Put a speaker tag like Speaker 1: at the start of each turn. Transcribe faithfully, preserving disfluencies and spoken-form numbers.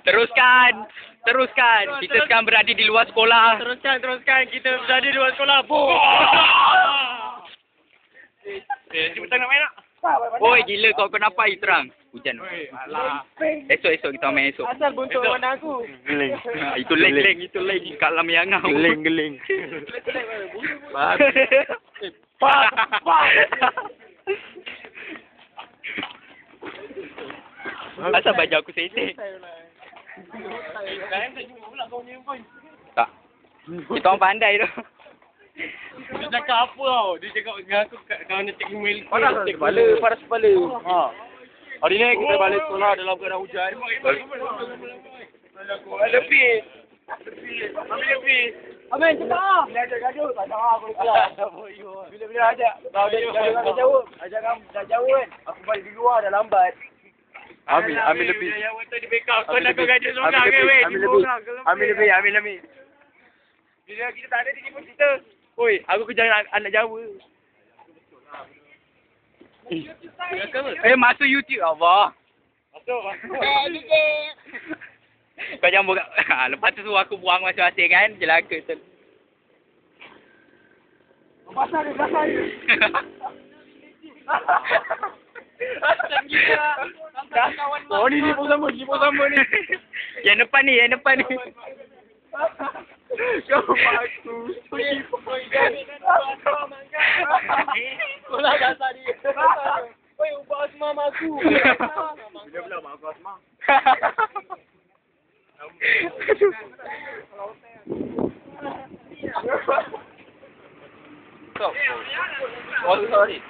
Speaker 1: Teruskan. Teruskan. Kita sekarang berada di luar sekolah.
Speaker 2: Teruskan, teruskan. Kita berada di luar sekolah. Boom! Eh, cepetan nak main tak?
Speaker 1: Oi, gila kau kau nampak air terang. Hujan.
Speaker 2: Alah.
Speaker 1: Esok-esok kita main esok.
Speaker 2: Asal buntuk mana aku?
Speaker 3: Geling.
Speaker 1: Ha, itu leng-leng, itu leng kat dalam yang ngau.
Speaker 3: Geling, geling.
Speaker 2: Pak, pak, pak.
Speaker 1: Asal baju aku setek. Tak. Kita orang pandai tu.
Speaker 2: Dia cakap apa tau? Dia cakap dengan aku kalau nak cek email.
Speaker 3: Panas kepala, panas kepala.
Speaker 2: Ha. Hari ni kita balik sekolah dalam keadaan hujan. Lebih. Lebih. Ambil lebih. Amin, cepat ah. Bila ajak gaduh, tak tahu aku keluar. Bila-bila ajak, kau dia gaduh jauh. Ajak kamu dah jauh kan. Aku balik di luar dah lambat.
Speaker 3: Ambil, ambil lebih.
Speaker 2: Yang waktu di backup kau
Speaker 3: Ambil
Speaker 2: nak kau
Speaker 3: lebih.
Speaker 2: gaduh seorang
Speaker 3: Ambil
Speaker 2: ke
Speaker 3: lebih,
Speaker 2: weh?
Speaker 3: ambil lebih. Ambil lebih, ambil lebih.
Speaker 2: Bila kita tak ada dia pun kita. Oi, aku kejar anak, anak Jawa.
Speaker 1: Eh, masuk YouTube Allah.
Speaker 2: Masuk, masuk.
Speaker 1: Kau jangan buka. Ha, lepas tu suruh aku buang masing-masing kan. Jelaka tu.
Speaker 2: Basah dia, basah dia. Asal gila. Oh, ni ni pun sama, ni pun sama ni.
Speaker 1: Yang depan ni, yang depan ni.
Speaker 2: Kau aku. Kau lah basah dia. Oi, ubah asma mak aku. Bila pula mak aku asma?
Speaker 1: Oh, sorry.